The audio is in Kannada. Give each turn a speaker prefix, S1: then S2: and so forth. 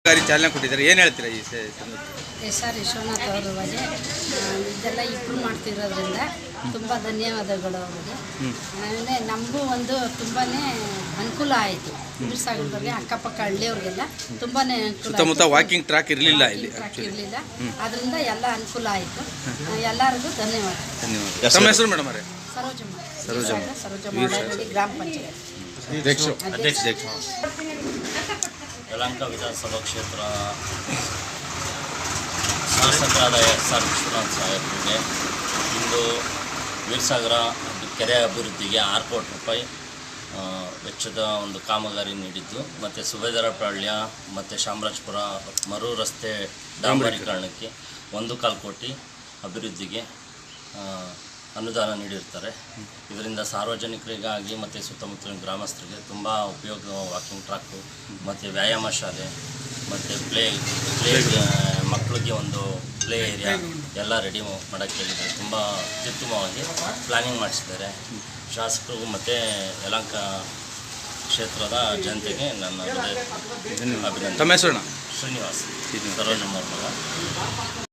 S1: ಚಾಲನೆ ಕೊಟ್ಟಿದ್ದಾರೆ, ಏನು ಹೇಳ್ತೀರಾ ಈ
S2: ಎಸ್ ಆರ್ ವಿಶ್ವನಾಥ್ ಅವರು ಬಗ್ಗೆ ಇದೆಲ್ಲ ಇಂಪ್ರೂವ್ ಮಾಡ್ತಿರೋದ್ರಿಂದ ತುಂಬ ಧನ್ಯವಾದಗಳು ಅವರಿಗೆ. ಆಮೇಲೆ ನಮಗೂ ಒಂದು ತುಂಬಾ ಅನುಕೂಲ ಆಯಿತು. ಸಾಗರದಲ್ಲಿ ಅಕ್ಕಪಕ್ಕ ಹಳ್ಳಿಯವ್ರಿಗೆಲ್ಲ ತುಂಬಾ ಅನುಕೂಲ.
S1: ಸುತ್ತಮುತ್ತ ವಾಕಿಂಗ್ ಟ್ರ್ಯಾಕ್ ಇರಲಿಲ್ಲ, ಇಲ್ಲಿ
S2: ಇರಲಿಲ್ಲ. ಅದರಿಂದ ಎಲ್ಲ ಅನುಕೂಲ ಆಯಿತು. ಎಲ್ಲರಿಗೂ ಧನ್ಯವಾದ.
S1: ತಮ್ಮ ಹೆಸರು ಮೇಡಮ್ ಅವರೇ?
S2: ಸರೋಜಮ್ಮ ಗ್ರಾಮ ಪಂಚಾಯತ್
S3: ಅಧ್ಯಕ್ಷ. ಯಲಹಂಕ ವಿಧಾನಸಭಾ ಕ್ಷೇತ್ರ ಶಾಸಕರಾದ ಎಸ್ ಆರ್ ವಿಶ್ವನಾಥ್ ಸಾಹೇಬರಿಗೆ ಇಂದು ವೀರಸಾಗರ ಕೆರೆ ಅಭಿವೃದ್ಧಿಗೆ 6 ಕೋಟಿ ರೂಪಾಯಿ ವೆಚ್ಚದ ಒಂದು ಕಾಮಗಾರಿ ನೀಡಿದ್ದು, ಮತ್ತು ಸುಬೇದಾರಪಾಳ್ಯ ಮತ್ತು ಚಾಮರಾಜಪುರ ಮರು ರಸ್ತೆ ಡಾಂಬರೀಕರಣಕ್ಕೆ 1.25 ಕೋಟಿ ಅಭಿವೃದ್ಧಿಗೆ ಅನುದಾನ ನೀಡಿರ್ತಾರೆ. ಇದರಿಂದ ಸಾರ್ವಜನಿಕರಿಗಾಗಿ ಮತ್ತು ಸುತ್ತಮುತ್ತಲಿನ ಗ್ರಾಮಸ್ಥರಿಗೆ ತುಂಬ ಉಪಯೋಗ. ವಾಕಿಂಗ್ ಟ್ರ್ಯಾಕು ಮತ್ತು ವ್ಯಾಯಾಮ ಶಾಲೆ ಮತ್ತು ಪ್ಲೇ ಮಕ್ಕಳಿಗೆ ಒಂದು ಪ್ಲೇ ಏರಿಯಾ ಎಲ್ಲ ರೆಡಿ ಮಾಡೋಕ್ಕೆ ಹೇಳಿದ್ದಾರೆ. ತುಂಬ ಅತ್ಯುತ್ತಮವಾಗಿ ಪ್ಲ್ಯಾನಿಂಗ್ ಮಾಡಿಸಿದ್ದಾರೆ ಶಾಸಕರು ಮತ್ತು ಯಲಹಂಕ ಕ್ಷೇತ್ರದ ಜನತೆಗೆ ನನ್ನ ಅಭಿನಂದನೆ.
S1: ತಮ್ಮ ಹೆಸರು?
S3: ಶ್ರೀನಿವಾಸ್, ಸರೋಜಮ್ಮ ಮಗ.